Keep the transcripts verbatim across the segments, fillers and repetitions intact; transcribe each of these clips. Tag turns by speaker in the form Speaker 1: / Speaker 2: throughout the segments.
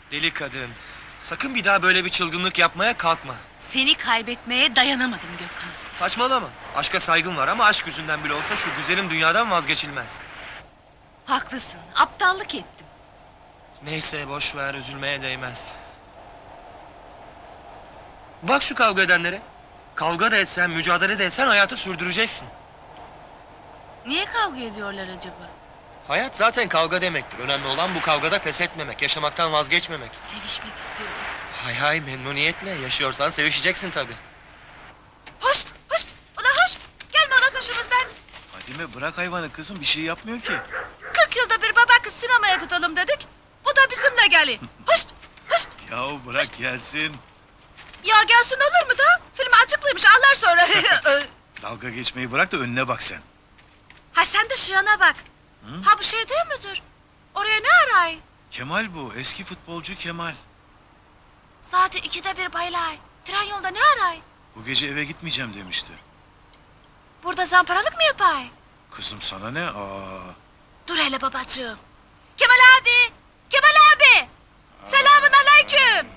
Speaker 1: Deli kadın. Sakın bir daha böyle bir çılgınlık yapmaya kalkma.
Speaker 2: Seni kaybetmeye dayanamadım Gökhan.
Speaker 1: Saçmalama. Aşka saygım var ama aşk yüzünden bile olsa şu güzelim dünyadan vazgeçilmez.
Speaker 2: Haklısın, aptallık ettim.
Speaker 1: Neyse boş ver, üzülmeye değmez. Bak şu kavga edenlere. Kavga da etsen, mücadele de etsen hayatı sürdüreceksin.
Speaker 2: Niye kavga ediyorlar acaba?
Speaker 1: Hayat zaten kavga demektir. Önemli olan bu kavgada pes etmemek, yaşamaktan vazgeçmemek.
Speaker 2: Sevişmek istiyorum.
Speaker 1: Hay hay, memnuniyetle. Yaşıyorsan sevişeceksin tabii.
Speaker 3: Hoşt, hoşt, ula hoşt. Gelme ula peşimizden.
Speaker 4: Fadime bırak hayvanı kızım, bir şey yapmıyor ki.
Speaker 3: Kırk yılda bir baba kız sinemaya gidelim dedik. Bu da bizimle geliyor. Hoşt, hoşt.
Speaker 4: Yahu bırak gelsin.
Speaker 3: Ya gelsin olur mu da? Film açıklıymış anlar sonra.
Speaker 4: Dalga geçmeyi bırak da önüne bak sen.
Speaker 3: Ha sen de şu yana bak. Ha bu şey değil midir? Oraya ne aray?
Speaker 4: Kemal bu, eski futbolcu Kemal.
Speaker 3: Saat ikide bir baylay. Tren yolda ne aray?
Speaker 4: Bu gece eve gitmeyeceğim demişti.
Speaker 3: Burada zamparalık mı yapay?
Speaker 4: Kızım sana ne? Aa.
Speaker 3: Dur hele babacığım. Kemal abi! Kemal abi! Selamun aleyküm!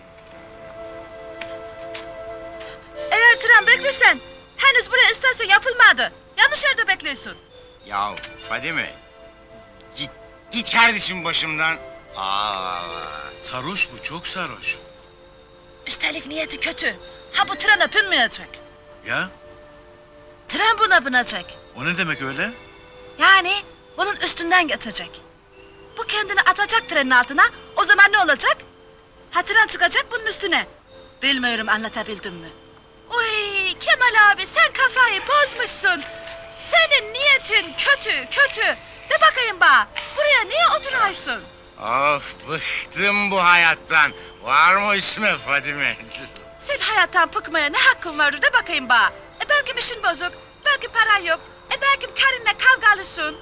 Speaker 3: Eğer tren beklersen, henüz buraya istasyon yapılmadı. Yanlış yerde bekliyorsun.
Speaker 5: Ya Fadime, git git kardeşim başımdan. Aa,
Speaker 4: Sarhoş bu, çok sarhoş.
Speaker 3: Üstelik niyeti kötü. Ha bu trene binmeyecek.
Speaker 4: Ya?
Speaker 3: Tren buna binecek.
Speaker 4: O ne demek öyle?
Speaker 3: Yani bunun üstünden geçecek. Bu kendini atacak trenin altına. O zaman ne olacak? Ha tren çıkacak bunun üstüne. Bilmiyorum anlatabildim mi? Uy Kemal abi sen kafayı bozmuşsun. Senin niyetin kötü kötü. De bakayım bana. Buraya niye oturuyorsun?
Speaker 5: of bıktım bu hayattan. Var mı üstüme Fadime?
Speaker 3: Sen hayattan bıkmaya ne hakkın var de bakayım bana. E belki işin bozuk. Belki paran yok. E belki karınla kavgalısın.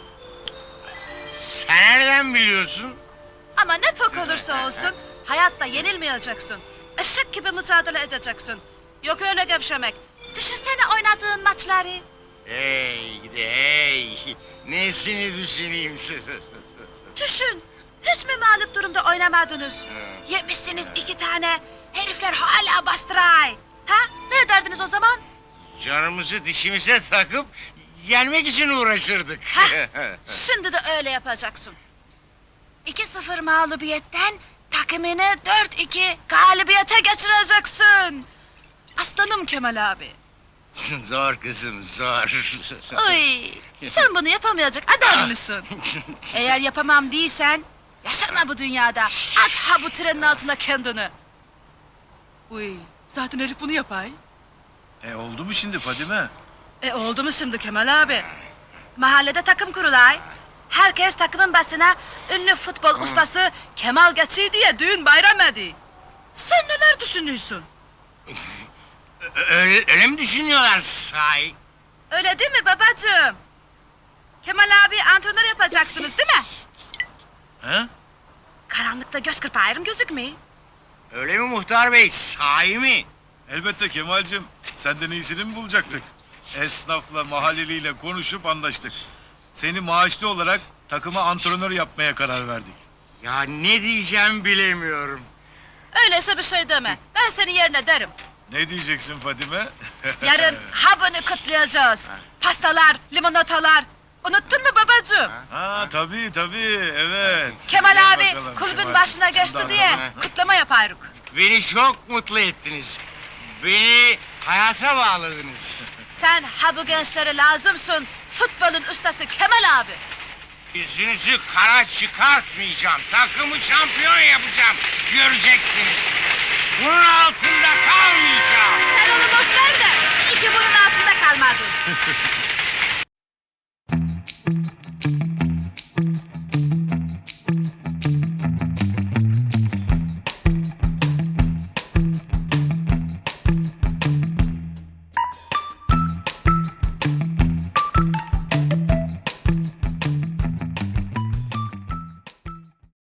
Speaker 5: Sen nereden biliyorsun?
Speaker 3: Ama ne pok olursa olsun hayatta yenilmeyeceksin. Işık gibi mücadele edeceksin. Yok öyle gevşemek. Düşünsene oynadığın maçları.
Speaker 5: Hey gidi hey. Nesini düşüneyim?
Speaker 3: Düşün. Hiç mi mağlup durumda oynamadınız? Yemişsiniz iki tane. Herifler hala bastıray. Ha? Ne ederdiniz o zaman?
Speaker 5: Canımızı dişimize takıp yenmek için uğraşırdık.
Speaker 3: Hah, şimdi de öyle yapacaksın. iki sıfır mağlubiyetten takımını dört iki galibiyete geçireceksin. Aslanım Kemal abi.
Speaker 5: Zor kızım zor.
Speaker 3: Uy, sen bunu yapamayacak adam mısın? Eğer yapamam değilsen, yaşama bu dünyada. At ha bu trenin altına kendini. Uy, zaten herif bunu yapay.
Speaker 4: E oldu mu şimdi Fadime?
Speaker 3: E oldu mu şimdi Kemal abi? Mahallede takım kurulay. Herkes takımın başına ünlü futbol ustası Kemal geçi diye düğün bayram ediyor. Sen neler düşünüyorsun?
Speaker 5: Öyle, öyle mi düşünüyorlar sahi?
Speaker 3: Öyle değil mi babacığım? Kemal abi antrenör yapacaksınız değil mi?
Speaker 4: He?
Speaker 3: Karanlıkta göz kırpağırım gözükmüyor.
Speaker 5: Öyle mi muhtar bey sahi mi?
Speaker 4: Elbette Kemal'cim. Senden iyisini mi bulacaktık? Esnafla, mahalleliyle konuşup anlaştık. Seni maaşlı olarak takıma antrenör yapmaya karar verdik.
Speaker 5: Ya ne diyeceğim bilemiyorum.
Speaker 3: Öyleyse bir şey deme. Ben senin yerine derim.
Speaker 4: Ne diyeceksin Fadime?
Speaker 3: Yarın habını kutlayacağız. Pastalar, limonatalar. Unuttun mu babacığım?
Speaker 4: Ha tabii tabii, evet.
Speaker 3: Kemal
Speaker 4: Gel
Speaker 3: abi
Speaker 4: bakalım,
Speaker 3: kulübün
Speaker 4: Kemal.
Speaker 3: başına geçti
Speaker 4: Şundan
Speaker 3: diye
Speaker 4: sonra.
Speaker 3: kutlama yaparız.
Speaker 5: Beni çok mutlu ettiniz. Beni hayata bağladınız.
Speaker 3: Sen ha bu gençlere lazımsın. Futbolun ustası Kemal abi.
Speaker 5: Yüzünüzü kara çıkartmayacağım. Takımı şampiyon yapacağım. Göreceksiniz. Bunun altında kalmayacağım.
Speaker 3: Sen onu boş ver de iyi ki bunun altında kalmadın.